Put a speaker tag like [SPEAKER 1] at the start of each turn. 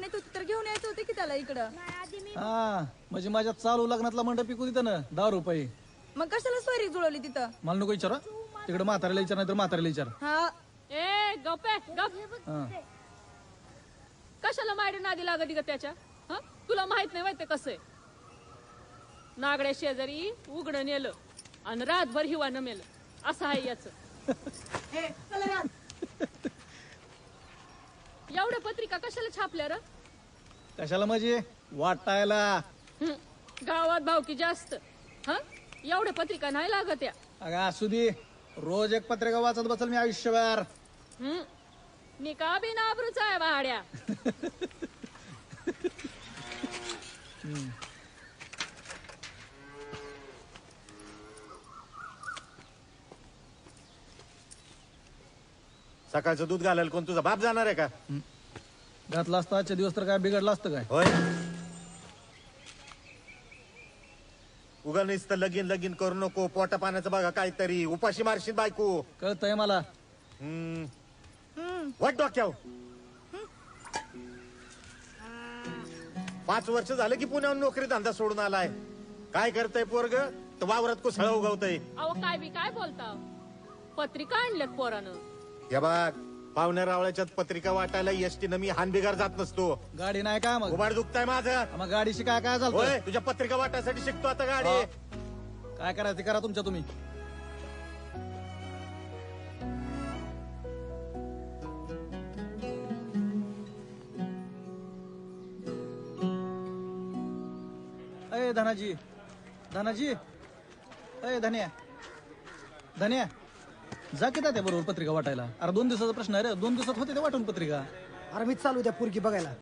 [SPEAKER 1] आणत होती तर घेऊन यायचं होते की त्याला इकडं.
[SPEAKER 2] हा म्हणजे माझ्या चालू लग्नातला मंडप पिकू तिथं ना 10 रुपये.
[SPEAKER 1] मग कशाला सोयरी जुळवली तिथं?
[SPEAKER 2] मला नको विचारा तिकडे म्हाताऱ्याला विचार नाही तर म्हाताऱ्याला विचार.
[SPEAKER 1] हा
[SPEAKER 3] ए गप्पे गप.
[SPEAKER 2] हा
[SPEAKER 3] कशाला मायडे नादी लागती का त्याच्या? हं? तुला माहित नाही माहिती कसं आहे? नागड्या शेजारी उघडं नेलं आणि रातभर हिवा न मेलं असं आहे याच. एवढ्या पत्रिका कशाला छापल्या र?
[SPEAKER 2] कशाला म्हणजे वाटायला.
[SPEAKER 3] हं. गावात भावकी जास्त. हा एवढ्या पत्रिका नाही लागत या.
[SPEAKER 2] अगं असू दे रोज एक पत्रिका वाचत बसल मी आयुष्यभर.
[SPEAKER 3] मी का बी नाबरूच आहे भाड्या.
[SPEAKER 4] सकाळचं दूध घालायला कोण तुझा बाप जाणार आहे का?
[SPEAKER 2] घातला असता आजच्या दिवस तर काय बिघडलं असतं काय?
[SPEAKER 4] होय. उगा नुसतं लगीन लगीन करू नको. पोटा पाण्याचं बघा काहीतरी. उपाशी मारशील बायको.
[SPEAKER 2] कळतंय मला.
[SPEAKER 4] वाट डोक्याव. 5 वर्ष झालं की पुण्याहून नोकरी धंदा सोडून आलाय. काय करतय पोरग? तर वावरात कुसळ उगवतय.
[SPEAKER 3] अहो काय बी काय बोलता? पत्रिका आणल्यात पोरानं.
[SPEAKER 4] हे बघ पाहुण्या रावळ्याच्यात पत्रिका वाटायला एसटीनं मी हानबिगार जात नसतो.
[SPEAKER 2] गाडी नाही काय मग?
[SPEAKER 4] उभाड दुखताय माझं.
[SPEAKER 2] मग गाडीशी काय काय झालं?
[SPEAKER 4] होय तुझ्या पत्रिका वाटायसाठी शिकतो आता गाडी.
[SPEAKER 2] काय करायचं ते करा तुमच्या तुम्ही. अय धनाजी धनाजी अय धन्या धन्या जा की त्या बरोबर पत्रिका वाटायला. अरे 2 दिवसाचा प्रश्न आहे रे. 2 दिवसात होते ते वाटून पत्रिका.
[SPEAKER 5] अरे मीच चालू द्या पुरगी बघायला.